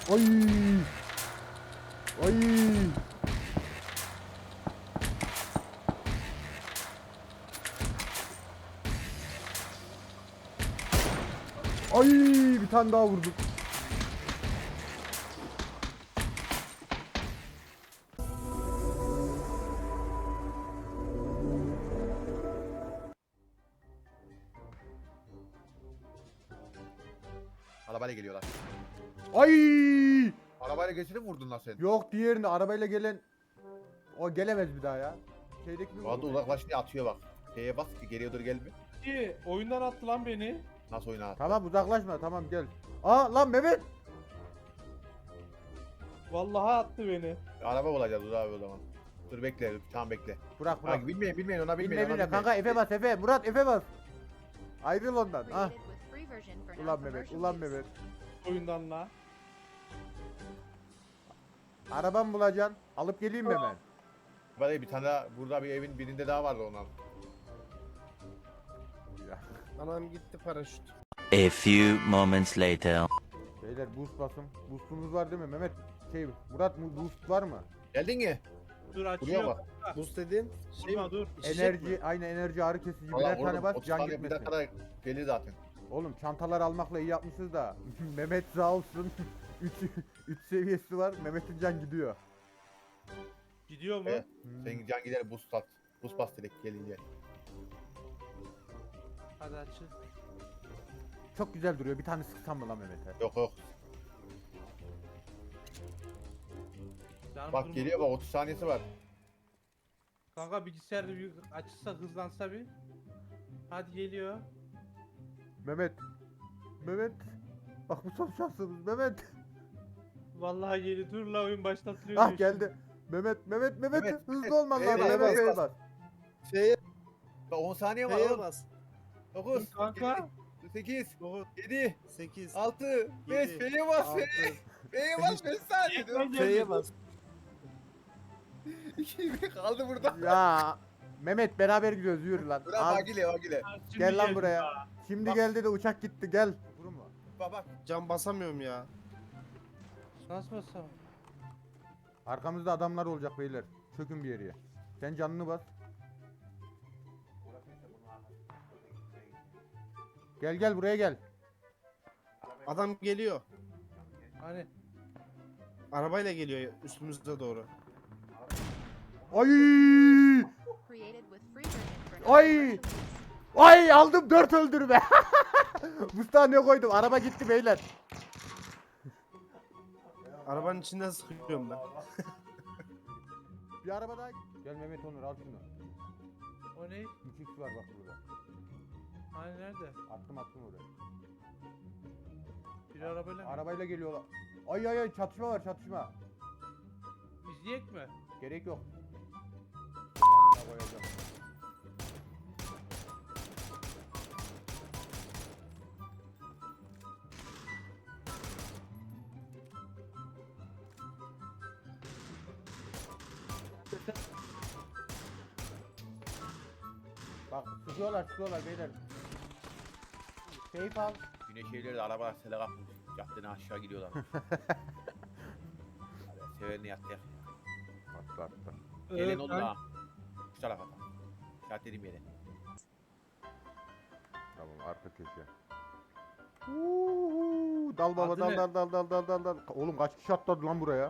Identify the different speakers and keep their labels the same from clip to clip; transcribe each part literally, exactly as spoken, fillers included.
Speaker 1: Oy. Oy. Ay bir tane daha vurdum.
Speaker 2: Arabayla geliyorlar.
Speaker 1: Ay!
Speaker 2: Arabayla geçirip vurdun lan sen.
Speaker 1: Yok diğerini arabayla gelen o gelemez bir daha ya. Şeydeki bir
Speaker 2: Bu arada uzaklaş diye atıyor bak. Şeye bas ki geriye doğru gelme.
Speaker 3: İyi, oyundan attı lan beni.
Speaker 2: Nasıl oyuna attı?
Speaker 1: Tamam uzaklaşma tamam gel. Aa lan Mehmet.
Speaker 3: Vallahi attı beni.
Speaker 2: Araba bulacağız Uğur abi o zaman. Dur bekle, tamam bekle.
Speaker 1: Bırak bırak.
Speaker 2: Bak bilmeyin bilmeyin ona bilmeyin
Speaker 1: Bilme
Speaker 2: ona
Speaker 1: bilme
Speaker 2: bilmeyin.
Speaker 1: kanka Efe bas Efe. Murat Efe bas. Ayrıl ondan. Ah.
Speaker 4: Created with free version for
Speaker 1: Ulan Mehmet
Speaker 4: non-commercial
Speaker 1: ulan
Speaker 4: use.
Speaker 1: Mehmet.
Speaker 3: Oyundan la.
Speaker 1: Arabamı bulacaksın. Alıp geleyim mi hemen?
Speaker 2: Böyle bir tane daha, burada bir evin birinde daha vardı ondan.
Speaker 1: Ya.
Speaker 5: Anam gitti paraşüt.
Speaker 6: A few moments later.
Speaker 1: Beyler boost basın. Boostumuz var değil mi Mehmet? Şey Murat bu boost var mı?
Speaker 2: Geldin mi?
Speaker 3: Dur
Speaker 2: Buraya
Speaker 3: açıyorum.
Speaker 2: bak.
Speaker 5: Buz dediğin şey
Speaker 3: Vurma dur.
Speaker 5: içecek
Speaker 1: Enerji
Speaker 5: mi?
Speaker 1: aynı enerji ağrı kesici
Speaker 2: Valla
Speaker 1: birer tane
Speaker 2: vurdum.
Speaker 1: bas
Speaker 2: otuz
Speaker 1: can
Speaker 2: saniye bir
Speaker 1: gitmesin.
Speaker 2: dakikada gelir zaten.
Speaker 1: Oğlum çantalar almakla iyi yapmışız da Mehmet sağ olsun üç seviyesi var Mehmet'in can gidiyor.
Speaker 3: Gidiyor mu?
Speaker 2: Evet.
Speaker 1: Hmm.
Speaker 2: Senin can gider buz sat. Buz bas direkt gelince.
Speaker 3: Hadi açıl.
Speaker 1: Çok güzel duruyor bir tane sıksam mı lan Mehmet'e?
Speaker 2: Yok yok.
Speaker 3: Canım
Speaker 2: Bak
Speaker 3: durma.
Speaker 2: geliyor bak otuz saniyesi var.
Speaker 3: Kanka bilgisayarda bir açılsa hızlansa bir. Hadi geliyor.
Speaker 1: Mehmet. Mehmet. Bak bu son şansımız Mehmet.
Speaker 3: Vallahi geliyor. Dur la oyun başlatılıyor.
Speaker 1: Ah
Speaker 3: diyor
Speaker 1: geldi. Mehmet Mehmet Mehmet
Speaker 2: Mehmet,
Speaker 1: hızlı
Speaker 2: Mehmet,
Speaker 1: olman lazım
Speaker 2: Mehmet,
Speaker 1: Mehmet
Speaker 5: Mehmet,
Speaker 1: Bey bas.
Speaker 5: F'ye
Speaker 2: Bak on saniye var
Speaker 5: F'ye
Speaker 2: oğlum.
Speaker 5: bas.
Speaker 2: dokuz,
Speaker 3: Dur kanka.
Speaker 2: sekiz,
Speaker 5: dokuz,
Speaker 2: yedi,
Speaker 5: sekiz,
Speaker 2: altı, beş,
Speaker 5: Yedi,
Speaker 2: F'ye bas
Speaker 5: altı,
Speaker 2: F'ye. F'ye bas beş saniye diyorum.
Speaker 5: F'ye bas.
Speaker 2: iki bir kaldı burada.
Speaker 1: Ya Mehmet beraber gidiyoruz yürü lan.
Speaker 2: Bırak
Speaker 1: Al,
Speaker 2: Bagile Bagile.
Speaker 3: Şimdi
Speaker 1: gel lan
Speaker 3: geldi
Speaker 1: buraya.
Speaker 3: daha.
Speaker 1: Şimdi
Speaker 2: Bak.
Speaker 1: geldi de uçak gitti gel. Vurma.
Speaker 2: Bak bak.
Speaker 5: Cam basamıyorum ya.
Speaker 3: Nasıl basam?
Speaker 1: Arkamızda adamlar olacak beyler. Çökün bir yere. Sen canını bas. Gel gel buraya gel.
Speaker 5: Adam geliyor.
Speaker 3: Hani
Speaker 5: Arabayla geliyor üstümüze doğru.
Speaker 1: Ay!
Speaker 4: Created with free version for
Speaker 1: Ay!
Speaker 4: non-commercial use.
Speaker 1: Ay aldım dört öldürme. Mustafa ne koydum? Araba gitti beyler.
Speaker 5: Arabanın içinden sıkıyorum ben.
Speaker 1: Bir araba daha. Gel Mehmet Onur al şunu.
Speaker 3: o ne?
Speaker 1: üç x var bak burada.
Speaker 3: Hani nerede?
Speaker 1: Attım attım oraya.
Speaker 3: Bir arabayla mı?
Speaker 1: Arabayla geliyorlar. Ay ay ay çatışma var çatışma.
Speaker 3: İzleyek mi?
Speaker 1: Gerek yok. Amına koyacağım. Bak sıkıyorlar sıkıyorlar beyler. Safe al.
Speaker 2: Güneş evleri de araba sele kapmış. Caddeden aşağı gidiyorlar. Hadi severini yattı ya.
Speaker 1: Attı attı.
Speaker 2: Gelin
Speaker 3: Ee,
Speaker 2: oldu
Speaker 3: ben-
Speaker 2: ha. Şu tarafa tam. İşaret dediğim yere.
Speaker 1: Tamam arka köşe. Uuu, dal baba
Speaker 3: Adı
Speaker 1: dal
Speaker 3: ne?
Speaker 1: dal dal dal dal dal dal. Oğlum kaç kişi atladı lan buraya?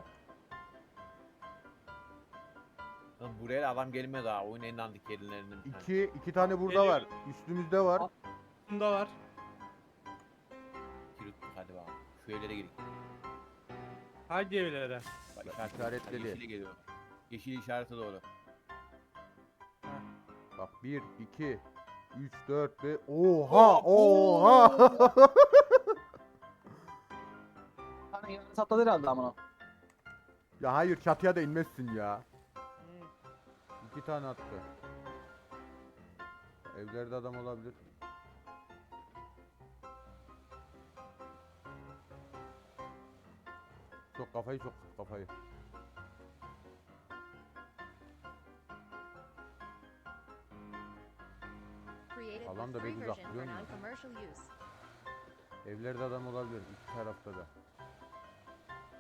Speaker 2: Lan buraya da adam gelmez ha. Oyun en dandik yerlerinden bir tane.
Speaker 1: İki, iki tane burada
Speaker 3: Geliyor.
Speaker 1: var. Üstümüzde var.
Speaker 3: Al. Bunda var.
Speaker 2: Kiruttuk hadi bakalım. Şu evlere girin.
Speaker 3: Hangi evlere?
Speaker 2: Bak
Speaker 1: Bak,
Speaker 2: işaret,
Speaker 1: işaretledi.
Speaker 2: Hadi yeşile geliyor. Yeşil işarete doğru.
Speaker 1: Bak bir, iki, üç, dört ve oha oha.
Speaker 7: Hani yarın satladı herhalde amına.
Speaker 1: Ya hayır çatıya da inmezsin ya. İki tane attı. Evlerde adam olabilir. Çok kafayı çok kafayı.
Speaker 4: Created
Speaker 1: Alan
Speaker 4: with
Speaker 1: da
Speaker 4: free
Speaker 1: pek uzak,
Speaker 4: version
Speaker 1: biliyor
Speaker 4: for
Speaker 1: musun?
Speaker 4: non-commercial use.
Speaker 1: Evlerde adam olabilir iki tarafta da.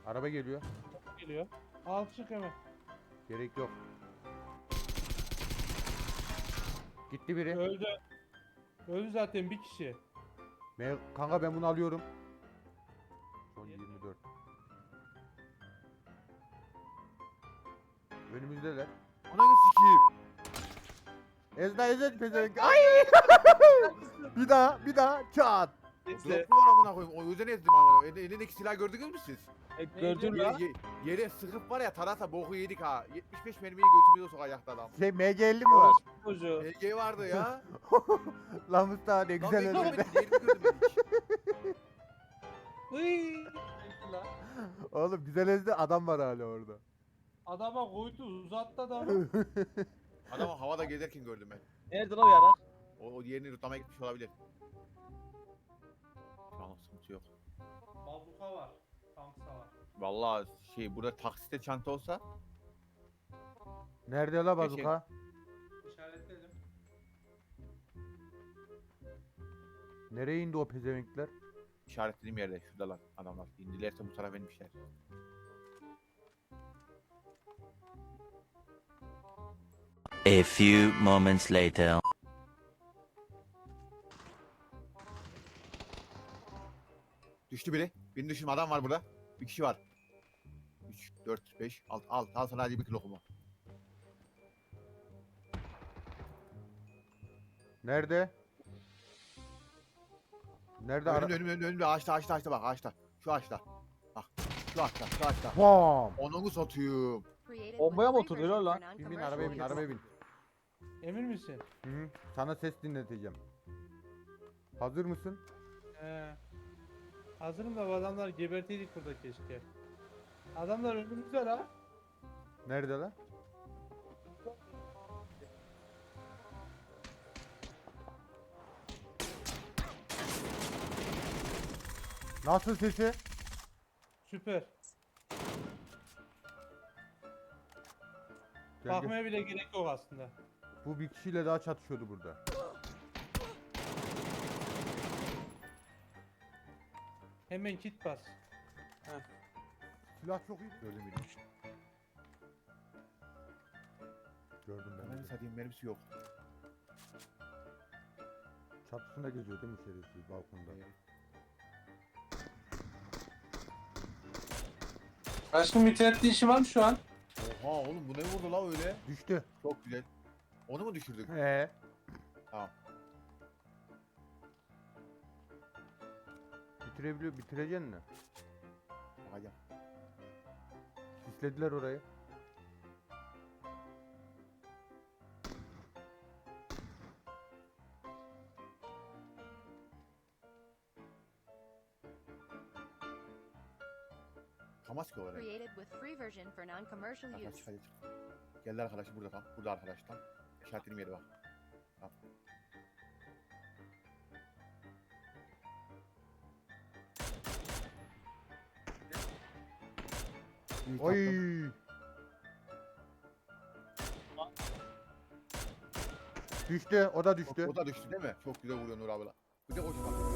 Speaker 1: Araba geliyor.
Speaker 3: Geliyor. Al çık hemen.
Speaker 1: Gerek yok. Gitti biri.
Speaker 3: Öldü. Öldü zaten bir kişi.
Speaker 1: Me- Kanka ben bunu alıyorum. Son yirmi dört. Önümüzdeler. Ananı sikeyim. Ezna ezet pezevenk. Ay! bir daha, bir daha çat.
Speaker 2: Drop mu var amına koyayım? O yüzden ezdim amına. El- Elindeki silah gördünüz mü siz?
Speaker 7: E, gördün
Speaker 2: Ye-
Speaker 7: la.
Speaker 2: ye- yere sıkıp var ya tarasa boku yedik ha. yetmiş beş mermiyi götümüze sokacakta adam.
Speaker 1: Şey M G elli mi var?
Speaker 3: Çocuğu.
Speaker 2: H G vardı ya.
Speaker 1: Lan Mustafa ne
Speaker 2: Lan
Speaker 1: güzel
Speaker 2: ben
Speaker 1: öldü.
Speaker 2: görmedim. Diğerini gördüm ben hiç.
Speaker 3: Hıy. La.
Speaker 1: Oğlum güzel ezdi adam var hala orada.
Speaker 3: Adama koydu uzattı adamı.
Speaker 2: Adamı havada gezerken gördüm ben.
Speaker 7: Nerede la o yarak?
Speaker 2: O, o diğerini rutlamaya gitmiş olabilir. Şu an sıkıntı yok.
Speaker 3: Bazuka var. Tanksa var.
Speaker 2: Vallahi şey burada taksite çanta olsa
Speaker 1: Nerede la bazuka?
Speaker 3: İşaretledim.
Speaker 1: Nereye indi o pezevenkler?
Speaker 2: işaretlediğim yerde şuradalar adamlar. İndilerse bu tarafa inmişler.
Speaker 6: A few moments later.
Speaker 2: Düştü biri. Birini düşün adam var burada. Bir kişi var. üç, dört, beş, altı, al. Al sana hadi bir kilo kuma.
Speaker 1: Nerede? Nerede ara?
Speaker 2: Önümde önümde önümde önümde ağaçta ağaçta ağaçta bak ağaçta. Şu ağaçta. Bak. Şu ağaçta şu ağaçta.
Speaker 1: Bam!
Speaker 2: Onu satayım.
Speaker 4: Created
Speaker 7: Bombaya mı
Speaker 4: with free
Speaker 7: oturuyor
Speaker 4: version
Speaker 7: lan?
Speaker 4: for
Speaker 1: Bin bin
Speaker 4: non-commercial
Speaker 1: arabaya bin
Speaker 4: use.
Speaker 1: arabaya bin.
Speaker 3: Emin misin?
Speaker 1: Hı hı. Sana ses dinleteceğim. Hazır mısın?
Speaker 3: He. Hazırım da bu adamlar geberteydik burada keşke. Adamlar önümüzde la.
Speaker 1: Nerede lan? Nasıl sesi?
Speaker 3: Süper.
Speaker 1: Gel, gel.
Speaker 3: Bakmaya bile gerek yok aslında.
Speaker 1: Bu bir kişiyle daha çatışıyordu burada.
Speaker 3: Hemen kit bas.
Speaker 1: Silah çok iyi. Gördüm beni. Gördüm ben.
Speaker 2: Ben
Speaker 1: de.
Speaker 2: satayım mermisi yok.
Speaker 1: Çatısında geziyor değil mi şerefsiz balkonda?
Speaker 3: Aşkım internette işi var mı şu an?
Speaker 2: Oha oğlum bu ne vurdu la öyle?
Speaker 1: Düştü.
Speaker 2: Çok güzel. Onu mu düşürdük?
Speaker 1: He.
Speaker 2: Tamam.
Speaker 1: Bitirebiliyor, bitireceksin mi?
Speaker 2: Hadi.
Speaker 1: Sislediler orayı.
Speaker 2: Kamas ki olarak.
Speaker 4: Created with free version for non-commercial
Speaker 2: Hadi
Speaker 4: use.
Speaker 2: çık hadi çık. Geldi arkadaşım burada tam. Burada arkadaş tam. İşaretlediğim yere bak. Tamam. İyi, taktım.
Speaker 1: Oy. Düştü, o da düştü.
Speaker 2: O da düştü değil mi? Çok güzel vuruyor Nur abla. Bir de koşma.